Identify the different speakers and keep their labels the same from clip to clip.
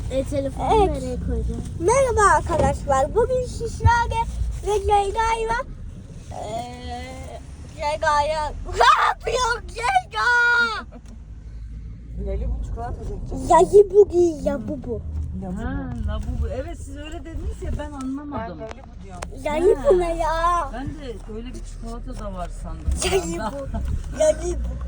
Speaker 1: Telefonu
Speaker 2: Evet.
Speaker 1: nereye koyacağım?
Speaker 2: Merhaba arkadaşlar. Bugün sizlerle ve Ceyda'yla Ceyda'ya ne yapıyor Ceyda?
Speaker 3: Leli bu çikolata dökeceğiz.
Speaker 2: Yayı bu giy ya bu.
Speaker 4: Ha, labubu. Evet siz öyle dediniz ya ben
Speaker 3: Ben
Speaker 4: anlamadım.
Speaker 3: Leli bu diyorum.
Speaker 2: Yayı
Speaker 4: Ha.
Speaker 2: bu ne ya?
Speaker 4: Ben de öyle bir çikolata da var sandım. bir
Speaker 2: Yayı
Speaker 4: anda.
Speaker 2: bu. Yayı bu.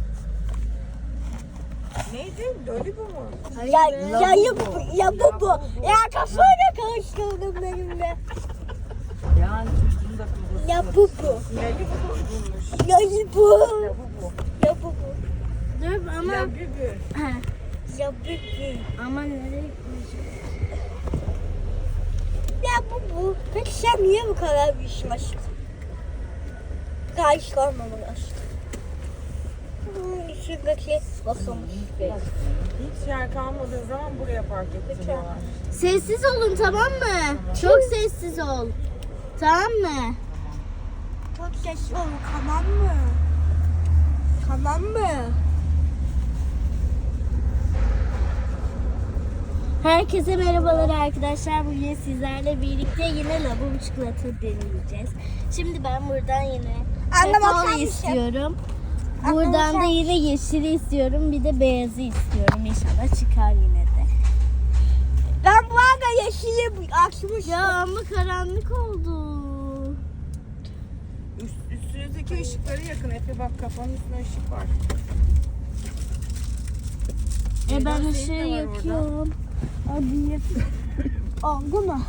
Speaker 3: Neydi? Leli bu mu?
Speaker 2: Yayı bu. Ya bu. Ya kafayla karıştırdım benimle.
Speaker 4: Yani çocuğun da kafası
Speaker 2: Ya bu.
Speaker 3: Leli bu bulmuş.
Speaker 2: Yayı bu.
Speaker 3: Ya bu bu.
Speaker 2: Ya bu.
Speaker 1: Dur ama...
Speaker 3: Ya bübü.
Speaker 1: Ha,
Speaker 2: Ya bu.
Speaker 1: ama nereye koyacağım?
Speaker 2: Ya bu. Peki sen niye bu kadar büyüşmüşsün? Karıştırmamalısın. Şuradaki basılmış.
Speaker 3: Hiç yer kalmadığı zaman buraya park ettiriyorlar.
Speaker 1: Sessiz olun tamam mı? Çok sessiz ol. Tamam mı?
Speaker 2: Çok sesli ol, tamam mı? Tamam mı?
Speaker 1: Herkese merhabalar arkadaşlar. Bugün sizlerle birlikte yine labubu çikolata deneyeceğiz. Şimdi ben buradan yine
Speaker 2: Anne, bakar
Speaker 1: kakaolu
Speaker 2: mısın?
Speaker 1: istiyorum.
Speaker 2: Anne,
Speaker 1: Buradan
Speaker 2: bakar
Speaker 1: da yine yeşili istiyorum. Bir de beyazı istiyorum. İnşallah çıkar yine de.
Speaker 2: Ben bu arada yeşili açmıştım.
Speaker 1: Ya ama karanlık oldu.
Speaker 3: Üstünüzdeki ışıkları yakın. Efe bak kafanın üstünde ışık var.
Speaker 1: Ben
Speaker 3: Ceyda,
Speaker 1: ışığı
Speaker 3: senin de var orada.
Speaker 1: yakıyorum. Hadi yap.
Speaker 2: Oldu mu?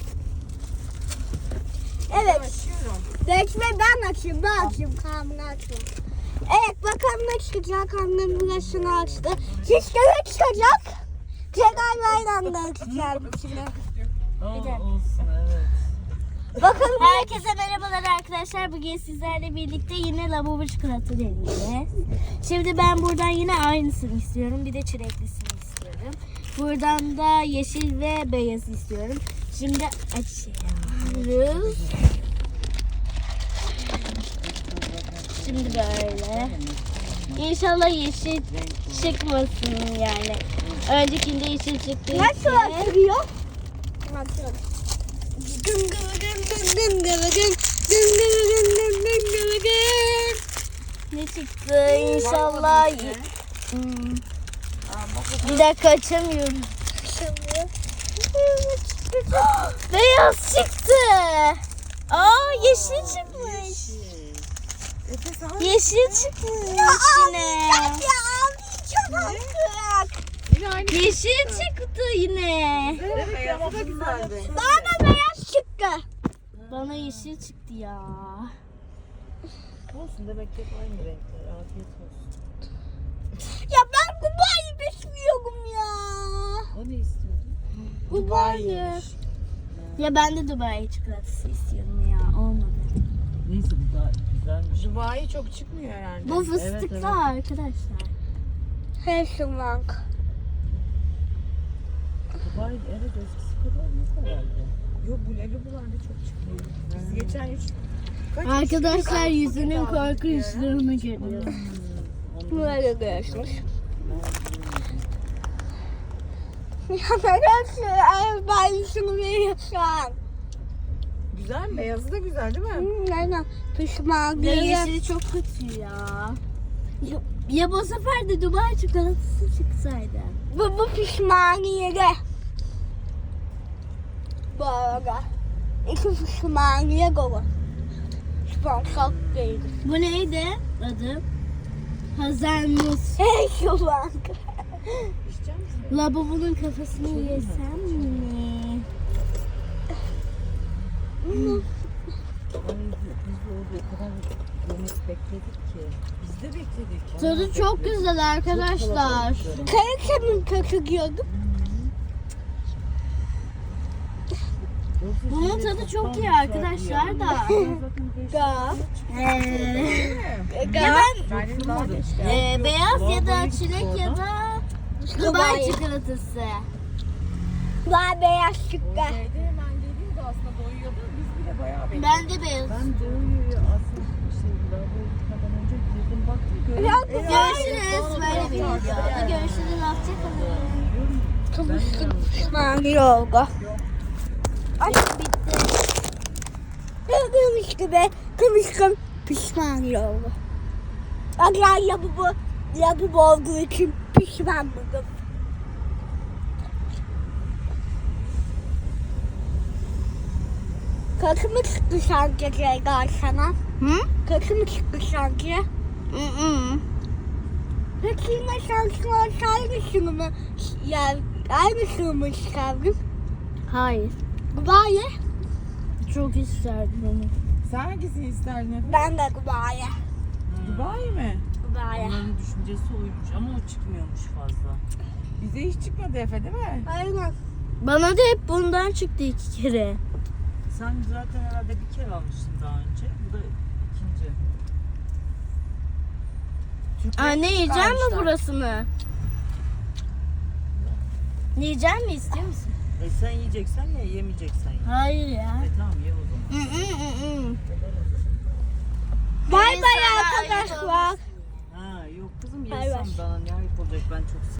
Speaker 2: Evet.
Speaker 3: Açıyorum.
Speaker 2: Bekle ben açayım. Ben açayım. Karnını açayım. Evet bakalım ne çıkacak. Annem burasını açtı. Sizde ne çıkacak? Cegayla aynı anda açacağım içine.
Speaker 4: Olsun evet.
Speaker 2: Bakalım.
Speaker 1: Herkese merhabalar arkadaşlar. Bugün sizlerle birlikte yine labubu çikolata deneyeceğiz. Şimdi ben buradan yine aynısını istiyorum. Bir de çileklisini istiyorum. Buradan da yeşil ve beyaz istiyorum. Şimdi açıyoruz. Şimdi böyle. İnşallah yeşil çıkmasın yani. Öncekinde yeşil çıktı.
Speaker 2: Nasıl açılıyor? Açıyorum. Dın dın dın dın dın dın dın dın dın dın dın dın.
Speaker 1: Ne çıktı? İnşallah. Hmm. Bir dakika açamıyorum.
Speaker 2: Açılıyor.
Speaker 1: Beyaz çıktı. Aa yeşil çıkmış.
Speaker 3: Efe sana
Speaker 1: Yeşil çıkmış yine.
Speaker 2: Ya ağlayacağım artık.
Speaker 3: yine aynı.
Speaker 1: Yeşil çıktı yine.
Speaker 3: Evet, beyazı da güzeldi.
Speaker 2: Bana beyaz çıktı.
Speaker 1: Bana yeşil çıktı ya.
Speaker 4: Olsun demek ki hep aynı renkler. Afiyet olsun.
Speaker 2: Ya ben Dubai'yi besliyorum ya.
Speaker 4: O ne istiyordun?
Speaker 2: Dubai.
Speaker 1: Ya ben de Dubai çikolatası istiyorum ya. Olmadı.
Speaker 4: Neyse bu da güzelmiş.
Speaker 3: Dubai çok çıkmıyor herhalde.
Speaker 1: Bu fıstıklı
Speaker 4: evet.
Speaker 1: arkadaşlar.
Speaker 2: Helsinki.
Speaker 4: Dubai evet eskisi kadar yok herhalde.
Speaker 3: Yok bu Leli bularda çok çıkmıyor. Biz geçen kaç
Speaker 1: Arkadaşlar
Speaker 3: kişi
Speaker 1: yüzünün
Speaker 3: aldık ya?
Speaker 1: korkunçluğunu görüyorum.
Speaker 2: Böyle görüşmüş. Ya ben ben şunu veriyorsun.
Speaker 3: Güzel mi? Beyazı da güzel değil mi?
Speaker 2: Aynen. Pişman
Speaker 1: Ya
Speaker 2: değilim.
Speaker 1: yeşili çok kötü ya. Ya bu sefer de Dubai çikolatası çıksaydı.
Speaker 2: Bu pişmaniyede. Bu arada. İki pişmaniye kolu. Sponsor değil.
Speaker 1: Bu neydi adı? Hazelnut.
Speaker 2: Hey şu bank.
Speaker 3: İçecek misin?
Speaker 1: Labubu'nun kafasını yesem mi?
Speaker 4: Ay, biz de orada o kadar yemek bekledik ki. Biz de bekledik.
Speaker 1: Tadı çok güzel arkadaşlar.
Speaker 2: Kayıkçamın kökü giyordum.
Speaker 1: Bunun tadı çok iyi arkadaşlar da.
Speaker 2: Da.
Speaker 1: Ya
Speaker 3: Ben daha da
Speaker 1: ben beyaz ya da çilek ya da Dubai çikolatası.
Speaker 2: Daha beyaz çıktı.
Speaker 3: Evde hemen geliyordu aslında doyuyordu. Biz bile bayağı bekledik.
Speaker 1: Ben de beyaz.
Speaker 4: Ben de aslında lavaboya gitmeden önce girdim baktım.
Speaker 2: Ya,
Speaker 1: Görüşürüz. Böyle bir videoda görüşürüz. Hoşçakalın.
Speaker 2: Kıvışkın pişmaniye oldu. Ay bitti. Gördüğünüz gibi kıvışkın pişmaniye oldu. Aga lavabo olduğu için pişman buldum. Kötü mü çıktı sanki Ceyda sana?
Speaker 1: Hı?
Speaker 2: Kötü mü çıktı sanki? Peki yine şansın olsaydı şunu mu? Yani aynısını mı çıkardın?
Speaker 1: Hayır.
Speaker 2: Dubai.
Speaker 1: Çok isterdim onu.
Speaker 3: Sen hangisini isterdin Efe?
Speaker 2: Ben de Dubai.
Speaker 3: Dubai mi?
Speaker 2: Dubai.
Speaker 4: Onların düşüncesi oymuş ama o çıkmıyormuş fazla.
Speaker 3: Bize hiç çıkmadı Efe değil mi?
Speaker 2: Aynen.
Speaker 1: Bana da hep bundan çıktı 2 kere.
Speaker 4: Sen zaten herhalde bir kere almıştın daha önce. Bu da ikinci.
Speaker 3: Türkler
Speaker 1: Anne yiyecek mi
Speaker 3: çıkarmışlar.
Speaker 1: burasını? Yiyecek mi, istiyor musun?
Speaker 4: Sen yiyeceksen ye, yemeyeceksen ye.
Speaker 1: Hayır ya.
Speaker 4: Tamam ye o zaman.
Speaker 2: Bay
Speaker 1: Neyse,
Speaker 2: bay
Speaker 1: ayıp
Speaker 2: arkadaşlar.
Speaker 4: Ha yok kızım
Speaker 2: Bay bay.
Speaker 4: yesem bana ne ayıp olacak ben çok